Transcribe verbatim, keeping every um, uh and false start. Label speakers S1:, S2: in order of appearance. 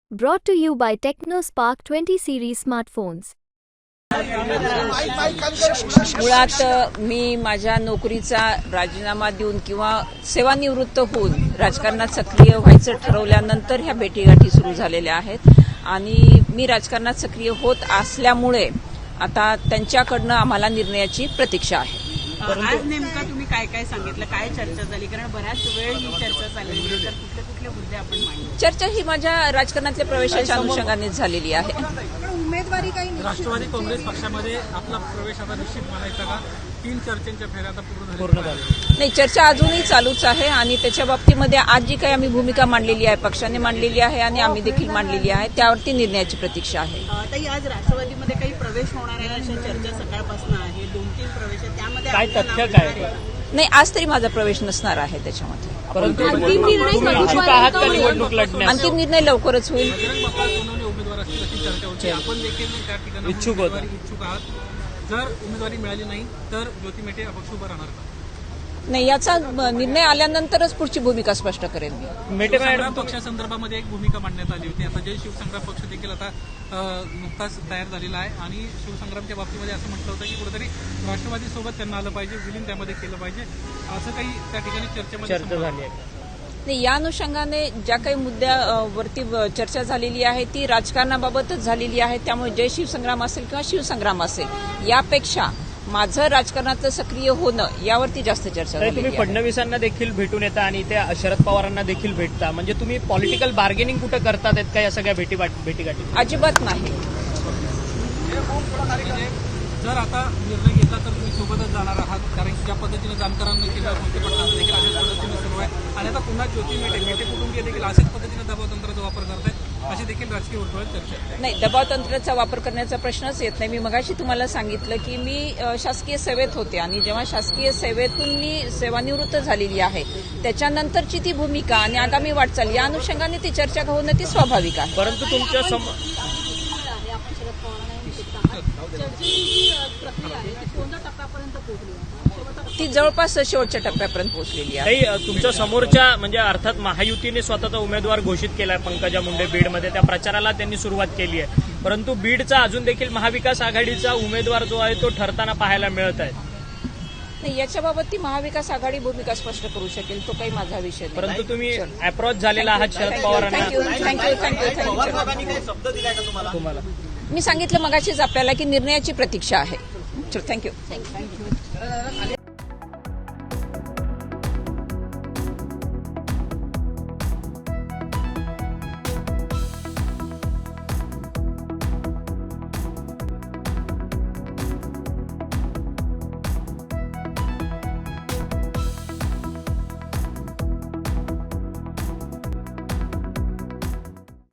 S1: Brought to you by TechnoSpark twenty series smartphones.
S2: मुळात मी माझ्या नोकरीचा राजीनामा देऊन किंवा सेवानिवृत्त होऊन राजकारणात सक्रिय व्हायचं ठरवल्यानंतर ह्या भेटीगाठी सुरू झालेल्या आहेत आणि मी राजकारणात सक्रिय होत असल्यामुळे आता त्यांच्याकडनं आम्हाला निर्णयाची प्रतीक्षा आहे.
S3: आज नेमका तुम्ही काय काय सांगितलं, काय चर्चा झाली? कारण बऱ्याच वेळ ही चर्चा चालली, तर कुठले कुठले मुद्दे आपण मांडले?
S2: चर्चा ही माझ्या राजकारणातल्या प्रवेशाच्या अनुषंगानेच झालेली आहे.
S3: उमेदवारी काही
S4: राष्ट्रवादी काँग्रेस पक्षामध्ये आपला प्रवेश आता निश्चित म्हणायचा का? तीन चर्चेच्या फेऱ्या आता पूर्ण झाल्या.
S2: नाही, चर्चा अजूनही चालूच आहे आणि त्याच्या बाबतीमध्ये आज जी काही आम्ही भूमिका मांडलेली आहे, पक्षाने मांडलेली आहे आणि आम्ही देखील मांडलेली आहे, त्यावरती निर्णयाची प्रतीक्षा आहे.
S3: ताई, आज राष्ट्रवादीमध्ये काही प्रवेश होणार आहे अशा चर्चा सकाळपासून आहे. दोन तीन प्रवेश आहेत, त्यामध्ये
S4: काय
S3: आपलं
S4: तथ्य
S3: नाव
S4: काय?
S3: येणार आहे?
S2: नाही, आज तरी माझा प्रवेश नसणार आहे त्याच्यामध्ये.
S4: परंतु
S3: अंतिम निर्णय
S4: इच्छुक आहात का निवडणूक लढण्यास?
S2: अंतिम निर्णय लवकरच होईल.
S4: बजरंग बाप्पा सोनवणे उमेदवार असतील अशी चर्चा होती. आपण देखील त्या ठिकाणी
S5: इच्छुक होता.
S4: उमेदवारी इच्छुक आहात. जर उमेदवारी मिळाली नाही तर ज्योती मेटे अपक्ष उभं राहणार का?
S2: नाही, याचा निर्णय आल्यानंतरच पुढची भूमिका स्पष्ट करेन मी.
S4: मेटे संग्राम पक्षासंदर्भामध्ये एक भूमिका मांडण्यात आली होती. आता जय शिवसंग्राम पक्ष देखील आता अ, नुकताच तयार झालेला आहे आणि शिवसंग्रामच्या बाबतीमध्ये असं म्हटलं होतं की कुठेतरी राष्ट्रवादीसोबत त्यांना आलं पाहिजे, विलीन त्यामध्ये केलं पाहिजे, असं काही त्या ठिकाणी चर्चेमध्ये
S5: चर्चा झाली आहे.
S2: नाही, या अनुषंगाने ज्या काही मुद्द्यावरती चर्चा झालेली आहे ती राजकारणाबाबतच झालेली आहे. त्यामुळे जय शिवसंग्राम असेल किंवा शिवसंग्राम असेल, यापेक्षा माझं राजकारणातलं सक्रिय होणं यावरती जास्त चर्चा झाली
S5: तुम्ही
S2: आहे.
S5: फडणवीसांना देखील भेटून येता आणि त्या शरद पवारांना देखील भेटता, म्हणजे तुम्ही पॉलिटिकल बार्गेनिंग कुठं करतात आहेत का या सगळ्या भेटी भेटीगाठी?
S2: अजिबात नाही.
S4: जर आता निर्णय घेतला तर तुम्ही सोबतच जाणार आहात, कारण की ज्या पद्धतीनं जानकरांना किंवा मोठे पडताना देखील अशाच पद्धतीनं सुरू आहे आणि आता पुन्हा ज्योती मेटे मेटे कुटुंबीय देखील अशाच पद्धतीनं दबावतंत्राचा वापर करतायत, अशी देखील राजकीय वर्तुळात चर्चा आहे.
S2: नाही, दबाव तंत्राचा वापर करण्याचा प्रश्नच येत नाही. मी मगाशी तुम्हाला सांगितलं की मी अ, शासकीय सेवेत होते आणि जेव्हा शासकीय सेवेतून मी सेवानिवृत्त झालेली आहे त्याच्यानंतरची ती भूमिका आणि आगामी वाटचाल या अनुषंगाने ती चर्चा होणं ती स्वाभाविक आहे.
S5: परंतु तुमच्या सम
S2: ती जवळपास शेवटच्या टप्प्यापर्यंत पोहोचलेली आहे.
S5: काही तुमच्या समोरच्या म्हणजे अर्थात महायुतीने स्वतःचा उमेदवार घोषित केलाय पंकजा मुंडे बीडमध्ये, त्या प्रचाराला त्यांनी सुरुवात केली आहे. परंतु बीडचा अजून देखील महाविकास आघाडीचा उमेदवार जो आहे तो ठरताना पाहायला मिळत आहे.
S2: नाही, याच्याबाबत ती महाविकास आघाडी भूमिका स्पष्ट करू शकेल, तो काही माझा विषय नाही.
S5: परंतु तुम्ही अप्रोच झालेला आहात शरद पवारांना.
S2: थँक्यू थँक्यू थँक्यू थँक्यू
S5: तुम्हाला
S2: मी सांगितलं मगाशीच आपल्याला की निर्णयाची प्रतीक्षा आहे. थँक्यू.